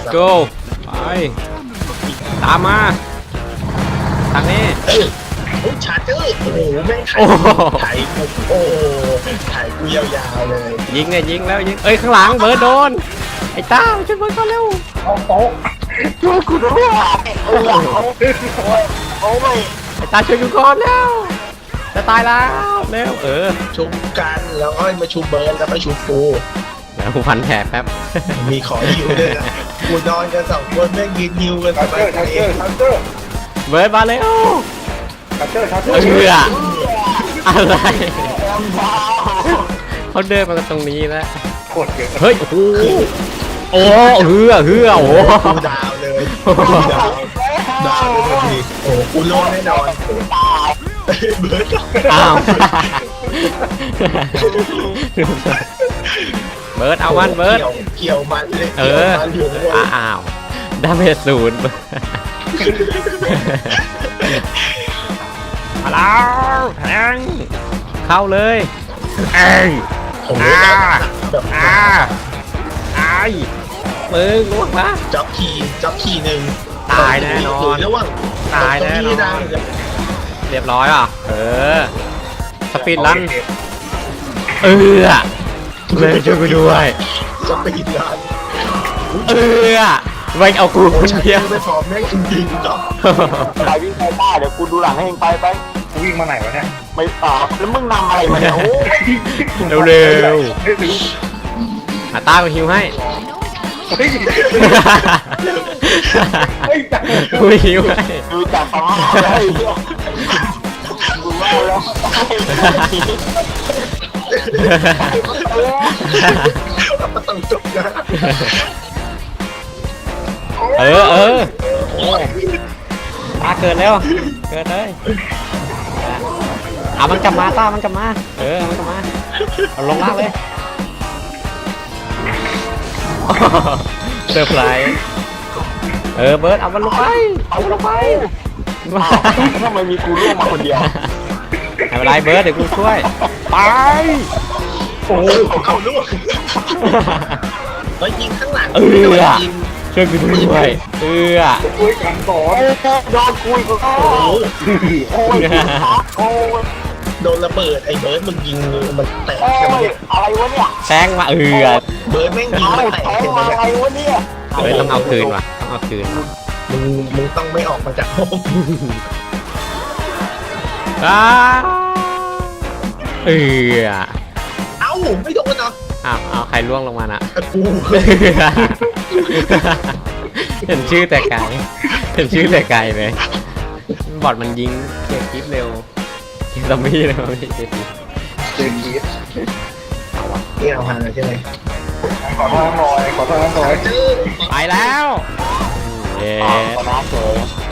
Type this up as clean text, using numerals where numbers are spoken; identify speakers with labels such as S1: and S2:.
S1: go ไปตามมาทางนี้
S2: โอ้ชาร์เจอร์โอ้โหแม่งไถ่กูโอ้ไถ่กูยาวๆเลย
S1: ยิงไงยิงแล้วยิงเอ้ยข้างหลังเบิร์ดโดนไอ้ต้าช่วยเบิร์ดก่อนเร็ว
S3: โอ้โหช่วยกูด้วยโอ้ไม่
S1: ไอ้ต้าช่วยกูก่อนแล้วจะตายแล้วเร็ว
S2: ชุบกันแล้วก็มาชุบเบิร์ดแล้วก็ชุบกู
S1: แล้วกูพันแผลแป๊บ
S2: มีขอฮิวด้วยนะกูนอนกัน2 คนแม่งยืนฮิวกันสบายใจ
S1: เบิร์ดมาเร็วอะไรเขาเดินมาตรงนี้แล้วเฮ้ยโอ้เฮือโอ้
S2: กูดาวเลยดาวเลยทันทีโอ้กูโลแน่นอนเบิร์ด
S1: อ้าวเบิร์ดเอามันเบิร์ด
S2: เกี่ยวมันเลย
S1: อ้าวดาเมจ0มาแล้วแทงเข้าเลยไอ้มึงลุกนะ
S2: จ็อกคีหนึ่ง
S1: ตายแน่นอนตายแน่นอนเรียบร้อยอ่ะสปีดรันเลยช่วยกูด้วย
S2: สปีดรัน
S1: ไม่เอากูคนเดียว
S2: ไม่พอแม่งจริงๆจ้ะ
S3: ไปวิ่งไปต้าเดี๋ยวกูดูหลังให้เองไป
S4: กูวิ่งมาไหนวะเนี่ย
S3: ไม่ตอบแล้วมึงนำอะไรมาเนี่ยโอ้
S1: เร็วต้ากูฮิวให้กูฮิวให้
S3: ดูจากฟ้าเลยกูว่าแล้ว
S2: ต้องจบนะ
S1: ต้าเกิดแล้วเกิดเลยเอามันกลับมาต้ามันกลับมามันกลับมาเอาลงล่างเลยเซอร์ไพรส์เบิร์ดเอามันลงไป
S3: ทำไมมีกูร่วงมาคนเดียว
S1: ไม่เป็นไรเบิร์ดเดี๋ยวกูช่วยไป
S2: โอ้เขาล่วงแล้วยิงข้างหลัง
S1: ช่วยกูด้วย
S4: คุยกันก่อน
S3: โดนคุยกู
S2: โดนระเบิดไอ้เบิร์ดมึงยิงมันแตก
S3: อะไรวะเนี่ย
S1: แทงมา
S2: เบิร์ดแม่งยิงมันแตก
S3: อะไรวะเนี่ย
S1: ต้องเอาคืนว่ะต้องเอาคืน
S2: มึงต้องไม่ออกมาจากห้อง
S1: เอ้
S2: าไม่โดนเนาะ
S1: เอาใครล่วงลงมาน่ะ
S2: กู
S1: เห็นชื่อแต่ไกลเลยบอดมันยิงเก็บคลิปเร็วเก็บซอมบี้เลยไม่เก็บคลิป
S2: นี่เอาหาใช่ไหม
S4: ขอโทษหน่อย
S1: ไปแล้ว
S3: ชนะเฉย